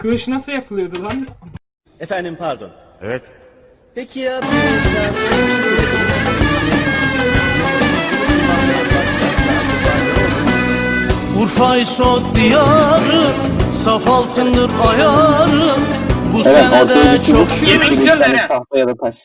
kılıç nasıl yapılıyordu lan? Efendim pardon. Evet. Peki ya Urfa İsot diyarı, saf altındır ayarı. Bu sene de çok şükür. Yemek istiyorlar ha. Tahta ya da taş.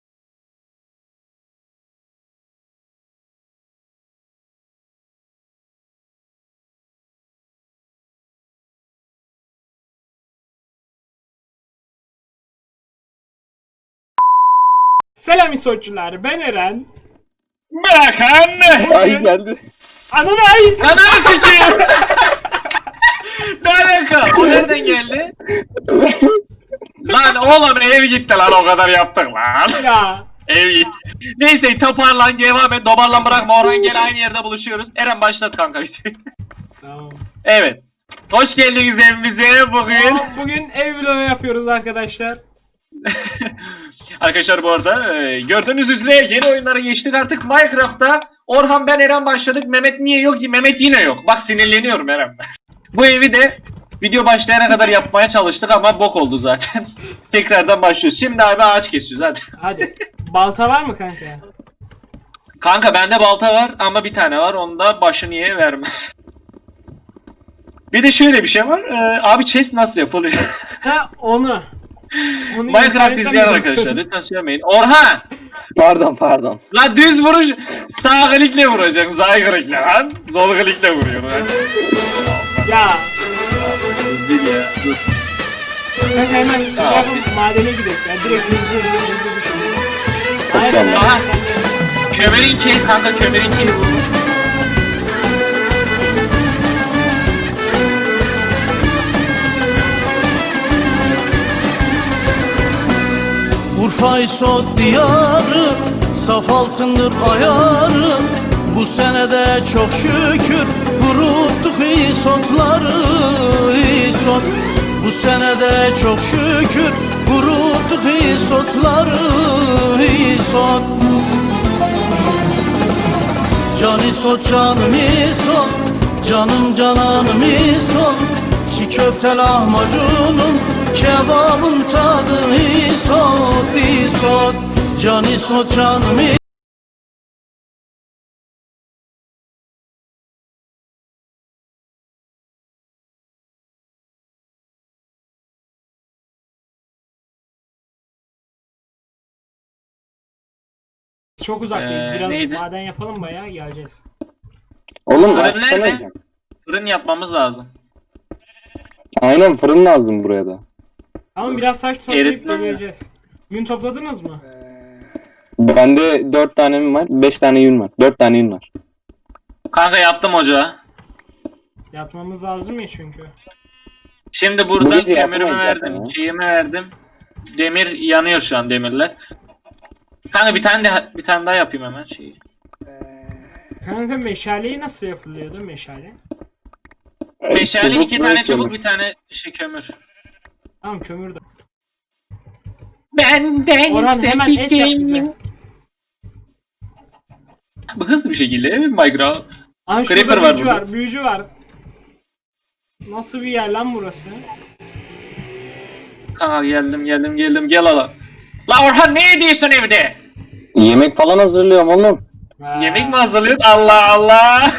Selam İsoççular, ben Eren. Bırakın. Ay geldi. Ananı ay! Ananı sikeyim. Ne alaka? O nereden geldi? Lan oğlum ev gitti lan, o kadar yaptık lan. Ya. Ev gitti. Neyse toparlan, devam et. Dobarlan, bırakma Orhan, gel aynı yerde buluşuyoruz. Eren başlat kanka videoyu. Tamam. Evet. Hoş geldiniz evimize bugün. Bugün ev vlogu yapıyoruz arkadaşlar. Arkadaşlar bu arada gördüğünüz üzere yeni oyunlara geçtik artık Minecraft'ta. Orhan, ben, Eren başladık. Mehmet niye yok ki? Mehmet yine yok. Bak sinirleniyorum Eren. Bu evi de video başlayana kadar yapmaya çalıştık ama bok oldu zaten. Tekrardan başlıyoruz. Şimdi abi ağaç kesiyoruz hadi. Hadi. Balta var mı kanka? Kanka bende balta var ama bir tane var. Onu da başını ye verme. Bir de şöyle bir şey var. Abi chest nasıl yapılıyor? Ha onu. Onu Minecraft internetten izleyen mi arkadaşlar bakıyordun? lütfen söylemeyin. Orhan! Pardon. La düz vuruş, sağ klikle vuracaksın, sağ klikle lan. Sol klikle vuruyor lan. Ya. Değil ya, dur. Kanka hemen Tamam. yapıp madene gidelim. Ya direkt hızlı düşüyorum. Aynen Tamam. aynen. Aha. Kömür'inki kanka, Kömür'inki vurmuş. Urfa İsot diyarı, saf altındır ayarı. Bu sene de çok şükür kuruttuk İsotları, İsot. Bu sene de çok şükür kuruttuk İsotları, İsot. Can İsot canım İsot, canım cananım İsot. Çiğ köfte lahmacunun, kebabın tadı İsot, İsot. Can İsot canım İsot. Çok uzaktayız. Biraz neydi? maden yapalım bayağı geleceğiz. Oğlum Fırın açsana nerede? hocam. Fırın yapmamız lazım. Aynen fırın lazım buraya da. Ama biraz saç toplayıp Eritmem ya. geleceğiz. Yün topladınız mı? Bende 4 tane mi var? 5 tane yün var. 4 tane yün var. Kanka yaptım ocağı. Yapmamız lazım ya çünkü. Şimdi buradan gece kömürümü yapamayız zaten verdim, ya. şeyimi verdim. Demir yanıyor şu an, demirler. Kanka bir tane daha yapayım hemen şeyi. Kanka meşaleyi nasıl yapılıyordu meşale? Meşale Çubuk 2 ve tane çubuk, kömür. bir tane kömür. Tamam kömür de. Benden Orhan hemen et yap bize. Bu hızlı bir şekilde Minecraft. Aha Creeper şurada var büyücü burada. var, büyücü var. Nasıl bir yer lan burası? Kanka geldim gel ala. La Orhan ne ediyorsun evde? Yemek falan hazırlıyorum oğlum. Ha. Yemek mi hazırlıyorsun? Allah Allah.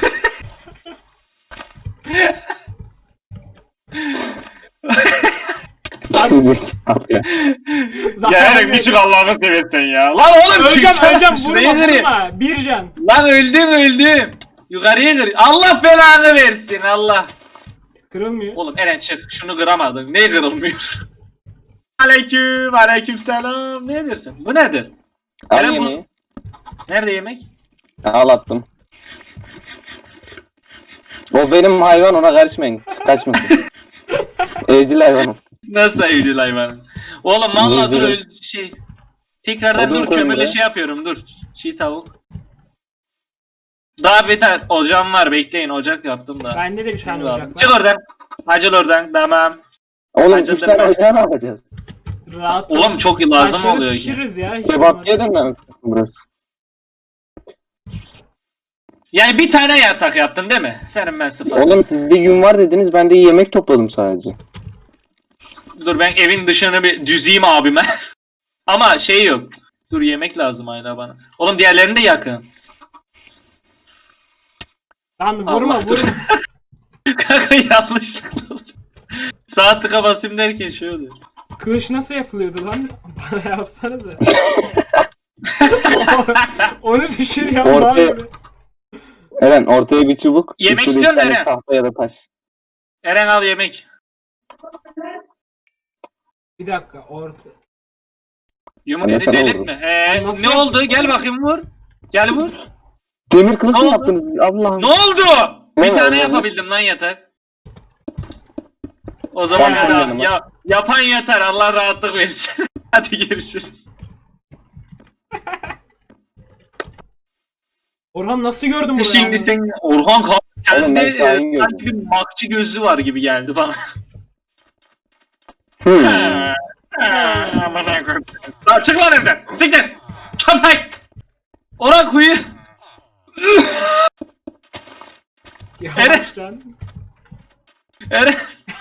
Zekalı ya. Daha Ya Eren ne- bir çık Allah'ını seversen ya. Lan oğlum Öleceğim çıksana. öleceğim Şuraya vurma kırayım. vurma. Bir can. Lan öldüm. Yukarıya kır. Allah belanı versin Allah. Kırılmıyor. Oğlum Eren çık. Şunu kıramadın. Ne kırılmıyor? Aleyküm selam. Ne edersin? Bu nedir? Al Eren bu- yemeği. Nerede yemek? Al attım. O benim hayvan, ona karışmayın. Kaçmasın. Evcil hayvanım. Nasıl evcil hayvan? Oğlum valla dur Zinciri. şey. Tekrardan Odun dur koyun kömürle buraya. şey yapıyorum dur. Çiğ tavuk. Daha beter ocağım var, bekleyin, ocak yaptım da. Bende de bir tane Şimdi ocak aldım. var. Çık oradan. Acil oradan, tamam. Oğlum Acıdım 3 tane ben. ocağı ne yapacağız? Rahat Oğlum çok lazım Taşları oluyor ki. pişiririz ya. hiç Kebapçıya olmaz. döndü burası. Yani bir tane yatak yaptın değil mi? Senin ben sıfır. Oğlum sizde yün var dediniz, ben de yemek topladım sadece. Dur ben evin dışını bir düzeyim abime. Ama şey yok. Dur yemek lazım hala bana. Oğlum diğerlerini de yakın. Lan vurma Allah, dur. vurma. Kanka yanlışlıkla oldu. Sağ tıka basayım derken şey oluyor. Kılıç nasıl yapılıyordu lan? Bana yapsanıza. Onu düşür ya Ortaya- abi. Eren ortaya bir çubuk. Yemek üstüne istiyorsun bir tane Eren. Tahta ya da taş. Eren al yemek. Bir dakika orta. Yumurta Yeter delik oldu. mi? Nasıl Ne oldu? Gel bakayım vur. Gel vur. Demir kılıç Ne mı oldu? yaptınız? Allah'ım. Ne oldu? Bir Hemen, tane hemen. yapabildim lan yatak. O zaman Tamam, hadi tamam. yapan yeter. Allah rahatlık versin. Hadi görüşürüz. Orhan nasıl gördün burayı? Şimdi abi? sen Orhan Oğlum sende ben Şahin gördüm. sanki bir makçı gözlü var gibi geldi bana. Hmm. Amına koyayım. Lan çık lan evden. Siktir. Köpek. Orhan kuyu. Yavaş lan. Eren.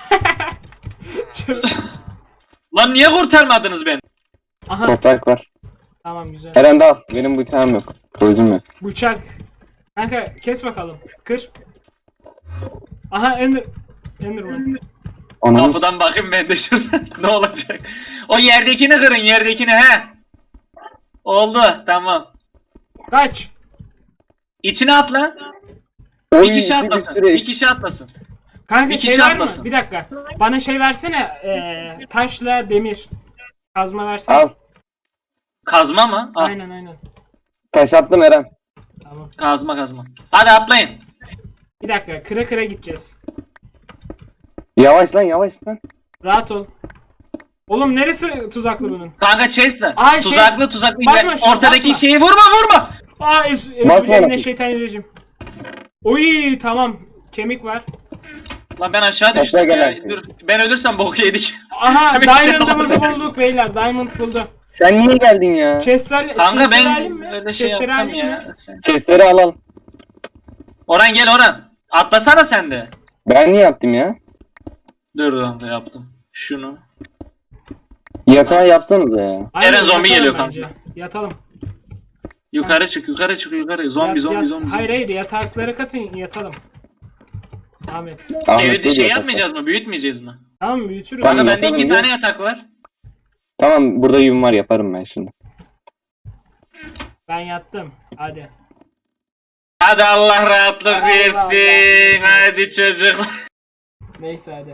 Lan niye kurtarmadınız beni? Aha Toprak var. tamam güzel. Eren de al. Benim bıçağım yok. Kılıcım yok. Bıçak. Kanka kes bakalım. Kır. Aha Enderman. Ananı Kapıdan bakayım ben de şuradan. Ne olacak? O yerdekini kırın yerdekini he. Oldu tamam. Kaç. İçine atla. Oy, Bir kişi bir atlasın. sürü Bir kişi atlasın. Kanka Bir şey kişi var mı? atlasın. Bir dakika. Bana şey versene. Taşla demir. Kazma versene. Al. Kazma mı? Al. Aynen. Taş attım Eren. Tamam. Kazma. Hadi atlayın. Bir dakika. Kıra kıra gideceğiz. Yavaş lan. Rahat ol. Oğlum neresi tuzaklı bunun? Kanka chest'le. Ay, şey- Tuzaklı. Basma şuna, Ortadaki basma. şeyi vurma. Aa Basma eline bakayım. şeytanirracim. Oy tamam. Kemik var. Lan ben aşağı Topla düştüm gel ya. artık. Dur, ben ölürsem bok yedik. Aha Kemik şey Diamond'ımızı alamaz. bulduk beyler. Diamond buldu. Sen niye geldin ya? Chestler, Kanka chestleri ben alayım mı? öyle şey Chestleri yapmam alayım ya. mı? Chestleri al. Orhan gel Orhan. Atlasana sen de. Ben niye attım ya? Dur kanka yaptım. Şunu. Yatağı yapsanıza ya. Aynen, Eren zombi yatalım geliyor bence. kanka. Yatalım. Yukarı çık. Zombi. Hayır yatakları katın yatalım. Ahmet. Ahmet Evi de ne şey diyor yapmayacağız mı? Büyütmeyeceğiz mi? Tamam mı? Büyütürüz. Tamam. Kanka Tamam, bende yatalım 2 ya. tane yatak var. Tamam burada yün var yaparım ben şimdi. Ben yattım. Hadi. Hadi Allah rahatlık Allah versin. Allah. Hadi çocuk. Neyse hadi.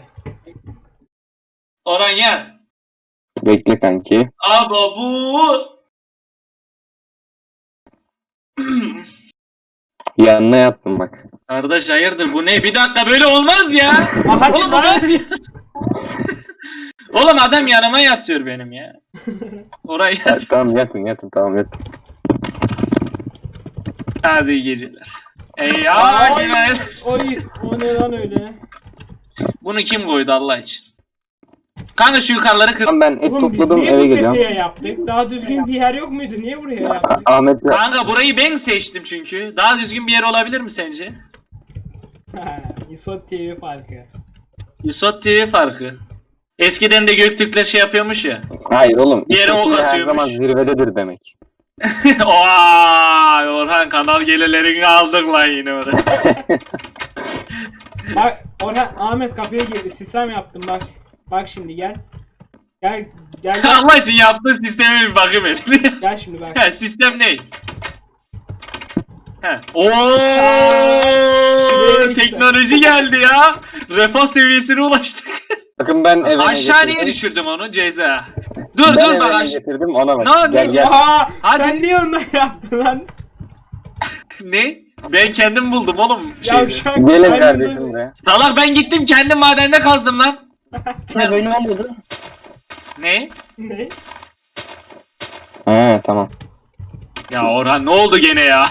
Orhan yat. Bekle kanki. Aba bu. Yanına yattım bak. Kardeş hayırdır bu ne? Bir dakika böyle olmaz ya. Aa, hadi Oğlum lan. adam Oğlum adam yanıma yatıyor benim ya. Oraya Ha, tamam yatın tamam yatın. hadi iyi geceler. Ey Ay, ya günaydın. oy, o ne lan öyle? Bunu kim koydu Allah için? Kanka şu yukarıları kır. Tamam ben et Oğlum biz topladım niye eve bu geliyorum. tepeye yaptık? Daha düzgün bir yer yok muydu? Niye buraya yaptık? Ahmet ya. Kanka burayı ben seçtim çünkü. Daha düzgün bir yer olabilir mi sence? İsot TV farkı. Isot TV farkı. Eskiden de Göktürkler şey yapıyormuş ya. Hayır oğlum. Bir yere ok İstekli her atıyormuş. zaman zirvededir demek. Oy Orhan kanal gelirlerini aldık lan yine oraya. Bak Orhan, Ahmet kapıya girdi. Sistem yaptım bak. Bak şimdi gel. Gel. Allah için yaptığı sisteme bir bakayım et. Gel şimdi bak. He sistem ne? He. Ooo Şuraya işte. teknoloji geldi ya. Refah seviyesine ulaştık. Bakın ben eve Aşağı niye düşürdüm onu ceza? Dur Ben dur bak eve aşağı. getirdim ona bak. Ne- Gel ne- gel. Oha! Hadi. Sen niye ondan yaptın lan? Ne? Ben kendim buldum oğlum şeyde. Yavşak. Gelin Ben kardeşim de- buraya. Salak ben gittim kendim madende kazdım lan. Ha böyle olmadı. Ne? Ne? Ha tamam. Ya Orhan ne oldu gene ya?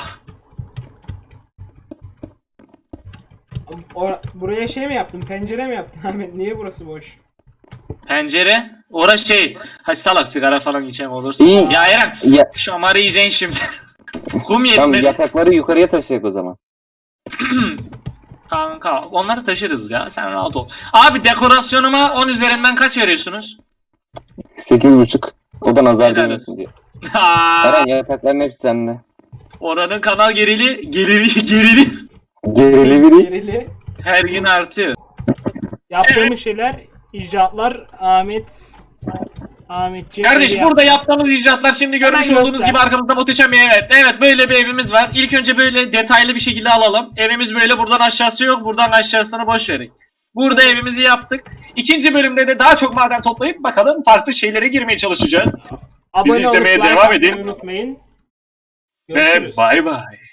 Buraya şey mi yaptın? Pencere mi yaptın Ahmet? Niye burası boş? Pencere. Ora şey. Hadi salak sigara falan içen olursa. İyi. Ya Eren. Ya, Şamarı yiyeceksin şimdi. Kum tamam yetmedi. yatakları yukarıya taşıyacak o zaman. Kanka onları taşırız ya, sen rahat ol. Abi dekorasyonuma 10 üzerinden kaç veriyorsunuz? 8,5. O da nazar Helal değmesin diye. Aa, Eren yatakların hepsi sende. oranın kanal gerili Gerili biri. Gerili. her gün artıyor. Yaptığımız şeyler, icraatlar Ahmetciğim. Kardeş burada yaptığımız icraatlar şimdi görmüş Hemen olduğunuz göster. gibi arkamızda muhteşem bir evet böyle bir evimiz var. İlk önce böyle detaylı bir şekilde alalım. Evimiz böyle, buradan aşağısı yok, buradan aşağısını boş verin. Burada evimizi yaptık. İkinci bölümde de daha çok maden toplayıp bakalım farklı şeylere girmeye çalışacağız. Abone olup izlemeye like devam atmayı edin. unutmayın. Ve Görüşürüz. bay bay.